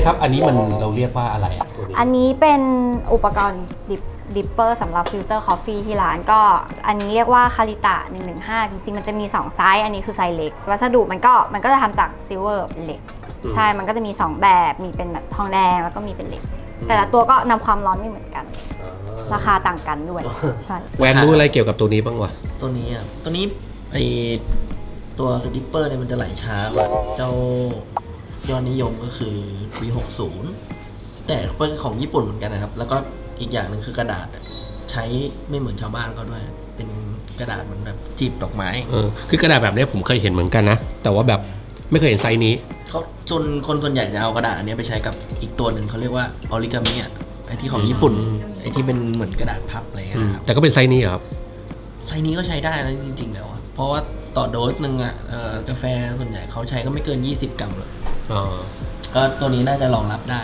ครับอันนี้มันเราเรียกว่าอะไรอ่ะตัวนี้อันนี้เป็นอุปกรณ์ดิปเปอร์สำหรับฟิลเตอร์คอฟฟี่ที่ร้านก็อันนี้เรียกว่าคาริตะ115จริงๆมันจะมี2ไซส์อันนี้คือไซส์เล็กวัสดุมันก็จะทำจากซิลเวอร์เป็นเหล็กใช่มันก็จะมี2แบบมีเป็นแบบทองแดงแล้วก็มีเป็นเหล็กแต่ละตัวก็นำความร้อนไม่เหมือนกันราคาต่างกันด้วยใช่แวนรู้อะไรเกี่ยวกับตัวนี้บ้างวะตัวนี้อ่ะตัวนี้ไอตัวดิปเปอร์เนี่ยมันจะไหลช้ากว่าเจ้ายอดนิยมก็คือ V60 แต่เป็นของญี่ปุ่นเหมือนกันนะครับแล้วก็อีกอย่างหนึ่งคือกระดาษใช้ไม่เหมือนชาวบ้านเขาด้วยเป็นกระดาษเหมือนแบบจีบดอกไม้คือกระดาษแบบนี้ผมเคยเห็นเหมือนกันนะแต่ว่าแบบไม่เคยเห็นไซส์นี้เขาคนส่วนใหญ่จะเอากระดาษอันนี้ไปใช้กับอีกตัวหนึ่งเขาเรียกว่าออริกามิอ่ะไอที่ของญี่ปุ่นไอที่เป็นเหมือนกระดาษพับอะไรเงี้ยนะครับแต่ก็เป็นไซส์นี้ครับไซส์นี้ก็ใช้ได้นะจริงๆแล้วเพราะว่าต่อโดสหนึ่งอ่ะกาแฟส่วนใหญ่เขาใช้ก็ไม่เกิน20 กรัมหรอกก็ตัวนี้น่าจะรองรับได้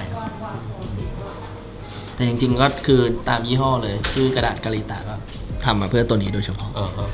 แต่จริงๆก็คือตามยี่ห้อเลยคือกระดาษกาลิตะก็ทำมาเพื่อตัวนี้โดยเฉพาะ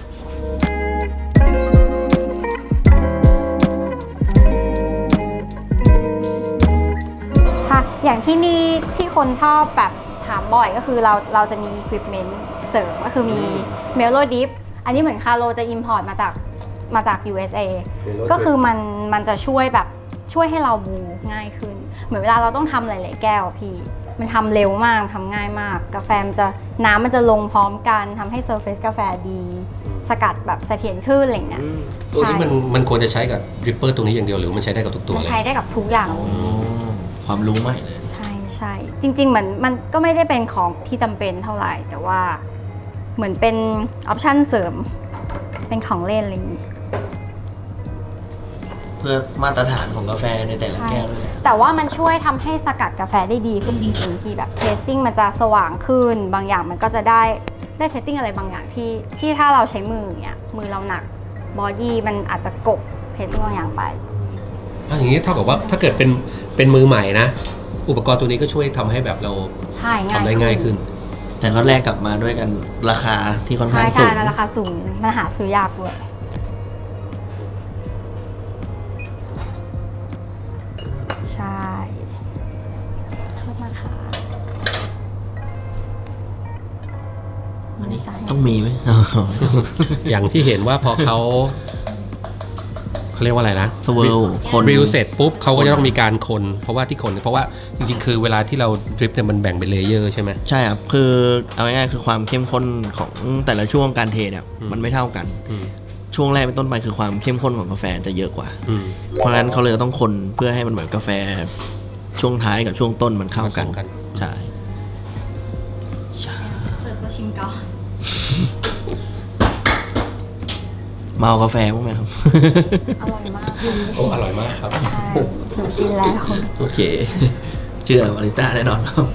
ค่ะอย่างที่นี่ที่คนชอบแบบถามบ่อยก็คือเราจะมี equipment เสริมก็คือมี Melo Dip อันนี้เหมือนคาโลจะ import มาจาก USA ก็คือมันจะช่วยให้เราบูง่ายขึ้นเหมือนเวลาเราต้องทำหลายๆแก้วพี่มันทำเร็วมากทำง่ายมากกาแฟน้ำมันจะลงพร้อมกันทำให้เซอร์เฟซกาแฟดีสกัดแบบเสถียรขึ้นอะไรเงี้ยตัวนี้มันควรจะใช้กับดริปเปอร์ตัวนี้อย่างเดียวหรือมันใช้ได้กับทุกตัวมันใช้ได้กับทุกอย่างความรู้ใหม่เลยใช่จริงๆเหมือนมันก็ไม่ได้เป็นของที่จำเป็นเท่าไหร่แต่ว่าเหมือนเป็นออปชั่นเสริมเป็นของเล่นอะไรอย่างนี้เพื่อมาตรฐานของกาแฟในแต่ละแก้วด้วยแต่ว่ามันช่วยทำให้สกัดกาแฟได้ดีขึ้นจริงๆที่แบบเทสติ้งมันจะสว่างขึ้นบางอย่างมันก็จะได้เทสติ้งอะไรบางอย่างที่ถ้าเราใช้มืออย่างเงี้ยมือเราหนักบอดี้มันอาจจะกบเทสติ้งบางอย่างไปอย่างนี้เท่ากับว่าถ้าเกิดเป็นมือใหม่นะอุปกรณ์ตัวนี้ก็ช่วยทำให้แบบเราทำได้ง่ายขึ้นแต่ก็แลกกลับมาด้วยกันราคาที่ค่อนข้างสูงใช่ราคาสูงมันหาซื้อยากด้วยใช่โทษนะคะอันนี้ต้องมีไหมอย่างที่เห็นว่าพอเขาเรียกว่าอะไรนะสเวิลคนริวเสร็จปุ๊บเขาก็จะต้องมีการคนเพราะว่าจริงๆคือเวลาที่เราดริปเนี่ยมันแบ่งเป็นเลเยอร์ใช่ไหมใช่ครับคือเอาง่ายๆคือความเข้มข้นของแต่ละช่วงการเทเนี่ยมันไม่เท่ากันช่วงแรกเป็นต้นไปคือความเข้มข้นของกาแฟจะเยอะกว่าเพราะฉะนั้นเขาเลยต้องคนเพื่อให้มันเหมือนกาแฟช่วงท้ายกับช่วงต้นมันเข้ากันใช่เสิร์ฟก็ชิมก่อนเมากาแฟมั้งไหมครับอร่อยมากอร่อยมากครับหนูชิมแล้วโอเคเชื่อบาริสต้าแน่นอนครับ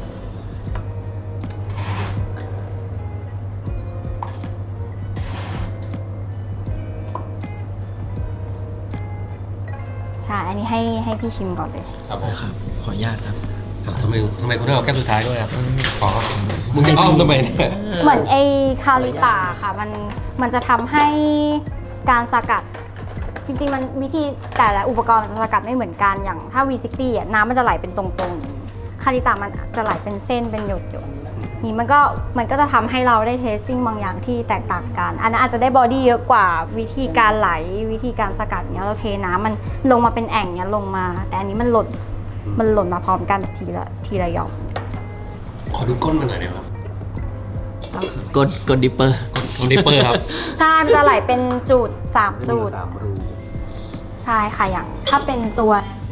ใช่อันนี้ให้พี่ชิมก่อนเลยครับผมครับขออนุญาตครับทำไมคุณต้องเอาแก้วสุดท้ายด้วยอ่ะอ๋อมึงจะอ้อมทำไมเนี่ยเหมือนไอ้คาริตาค่ะมันจะทำให้การสกัดจริงๆมันวิธีแต่ละอุปกรณ์มันจะสกัดไม่เหมือนกันอย่างถ้า V60 อ่ะน้ำมันจะไหลเป็นตรงๆคาริตามันจะไหลเป็นเส้นเป็นหยดๆนี่มันก็จะทำให้เราได้เทสติ้งบางอย่างที่แตกต่างกันอันนั้นอาจจะได้บอดี้เยอะกว่าวิธีการไหลวิธีการสกัดเนี้ยเราเทน้ำมันลงมาเป็นแอ่งเนี้ยลงมาแต่อันนี้มันหล่นมาพร้อมกันแบบทีละหยอกขอดูก้นมันหน่อยได้ไหมครับก้นดิปเปอร์ครับใช่มันจะไหลเป็นจุด3จุดใช่ค่ะอย่างถ้าเป็นตัว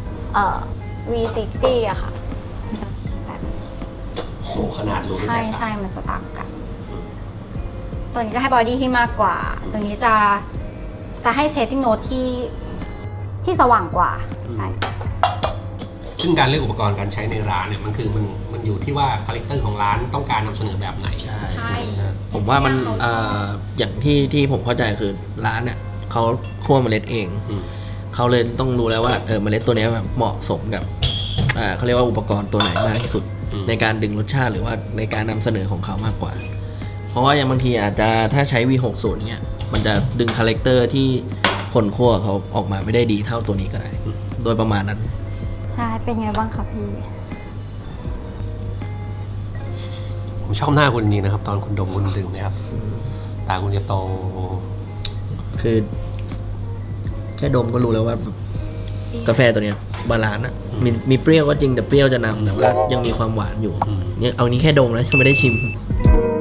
V60 อะค่ะโหขนาดรูใช่มันจะต่างกันตัวนี้จะให้บอดี้ที่มากกว่าตัวนี้จะให้เซตติ้งโน้ตที่สว่างกว่าใช่ซึ่งการเลือกอุปกรณ์การใช้ในร้านเนี่ยมันอยู่ที่ว่าคาแรคเตอร์ของร้านต้องการนำเสนอแบบไหนใช่ผมว่ามันอย่างที่ผมเข้าใจคือร้านเนี่ยเขาคั่วเมล็ดเองเขาเลยต้องรู้แล้วว่าเมล็ดตัวนี้แบบเหมาะสมกับเขาเรียกว่าอุปกรณ์ตัวไหนมากที่สุดในการดึงรสชาติหรือว่าในการนำเสนอของเขามากกว่าเพราะว่าอย่างบางทีอาจจะถ้าใช้ V60 เนี่ยมันจะดึงคาแรคเตอร์ที่คนคั่วเขาออกมาไม่ได้ดีเท่าตัวนี้ก็ได้โดยประมาณนั้นใช่เป็นไงบ้างคะพี่ผมชอบหน้าคุณจริงๆนะครับ ตอนคุณดมคุณดื่มเนี่ยครับ ตาคุณจะโตคือแค่ดมก็รู้แล้วว่า กาแฟตัวเนี้ยบาลานซ์อ่ะมีเปรี้ยวก็จริงแต่เปรี้ยวจะนำแต่ว่ายังมีความหวานอยู่อืมเนี่ยเอานี้แค่ดมแล้วยังไม่ได้ชิม